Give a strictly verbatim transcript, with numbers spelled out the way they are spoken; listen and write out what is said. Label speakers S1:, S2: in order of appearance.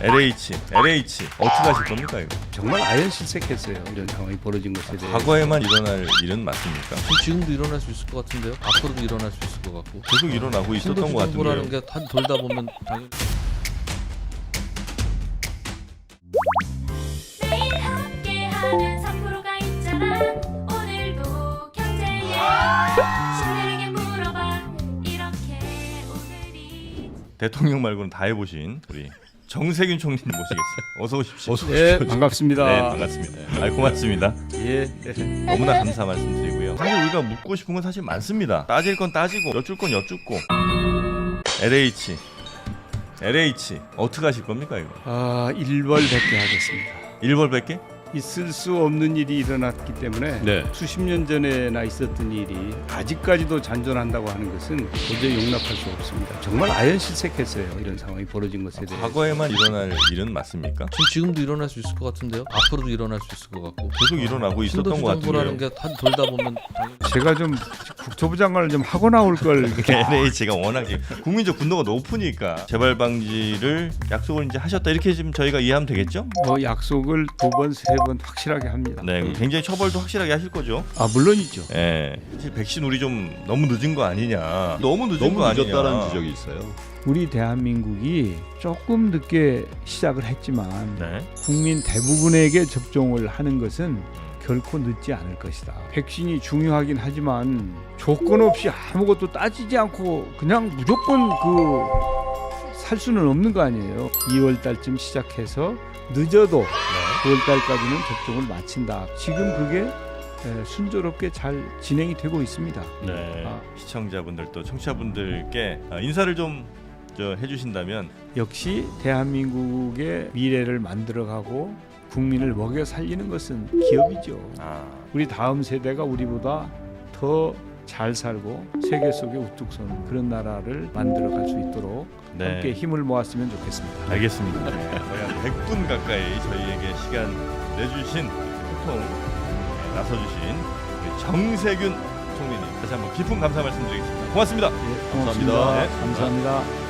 S1: 엘에이치, 엘에이치 어떻게 하실 겁니까 이거?
S2: 정말 아연실색했어요. 이런 상황이 벌어진 것에 대해.
S1: 과거에만 일어날 일은 맞습니까?
S3: 지금도 일어날 수 있을 것 같은데요. 앞으로도 일어날 수 있을 것 같고.
S1: 계속 일어나고 있었던 것
S3: 신도시정부라는
S1: 같은데요.
S3: 게 한 돌다 보면 당연히.
S4: 매일 함께하는 삼 프로가 있잖아. 오늘도 경제에 신들에게 물어봐. 이렇게 오늘이
S1: 대통령 말고는 다 해보신 우리 정세균 총리님 모시겠어요. 어서 오십시오. 어서
S2: 네, 반갑습니다.
S1: 네, 반갑습니다. 아, 고맙습니다.
S2: 예.
S1: 너무나 감사 말씀드리고요. 사실 우리가 묻고 싶은 건 사실 많습니다. 따질 건 따지고 여쭐 건 여쭙고. 엘에이치, 엘에이치 어떻게 하실 겁니까 이거?
S2: 아, 일벌백계 하겠습니다.
S1: 일벌백계?
S2: 있을 수 없는 일이 일어났기 때문에
S3: 네.
S2: 수십 년 전에나 있었던 일이 아직까지도 잔존한다고 하는 것은 도저히 용납할 수 없습니다. 정말 아연실색했어요. 이런 상황이 벌어진 것에 대해.
S1: 과거에만 일어날 일은 맞습니까?
S3: 지금 지금도 일어날 수 있을 것 같은데요. 앞으로도 일어날 수 있을 것 같고.
S1: 계속 일어나고 있었던 것
S3: 신도시정부라는
S1: 같은데요.
S3: 게 한 돌다 보면 당연히.
S2: 제가 좀 국토부 장관을 좀 하고 나올 걸.
S1: 엘에이치가 워낙에 국민적 분노가 높으니까 재발 방지를 약속을 이제 하셨다 이렇게 지금 저희가 이해하면 되겠죠?
S2: 뭐 약속을 두 번, 세 번 확실하게 합니다.
S1: 네, 굉장히 처벌도 확실하게 하실 거죠.
S2: 아, 물론이죠.
S1: 예. 사실 백신 우리 좀 너무 늦은 거 아니냐. 너무 늦은
S5: 너무
S1: 거 아니냐.
S5: 늦었다는 지적이 있어요.
S2: 우리 대한민국이 조금 늦게 시작을 했지만
S1: 네.
S2: 국민 대부분에게 접종을 하는 것은 결코 늦지 않을 것이다. 백신이 중요하긴 하지만 조건 없이 아무것도 따지지 않고 그냥 무조건 그 살 수는 없는 거 아니에요. 이월 달쯤 시작해서 늦어도 구월 달까지는 접종을 마친다. 지금 그게 에, 순조롭게 잘 진행이 되고 있습니다.
S1: 네.
S2: 아.
S1: 시청자분들 또 청취자분들께 아, 인사를 좀 저 해주신다면.
S2: 역시 대한민국의 미래를 만들어가고 국민을 먹여 살리는 것은 기업이죠.
S1: 아,
S2: 우리 다음 세대가 우리보다 더 잘 살고 세계 속에 우뚝 서는 그런 나라를 만들어갈 수 있도록
S1: 네.
S2: 함께 힘을 모았으면 좋겠습니다.
S1: 알겠습니다. 네. 거의 한 백 분 가까이 저희에게 시간 내주신 소통 네, 나서주신 우리 정세균 총리님 다시 한번 깊은 감사 말씀드리겠습니다. 고맙습니다.
S2: 예, 고맙습니다.
S1: 감사합니다. 네.
S2: 감사합니다.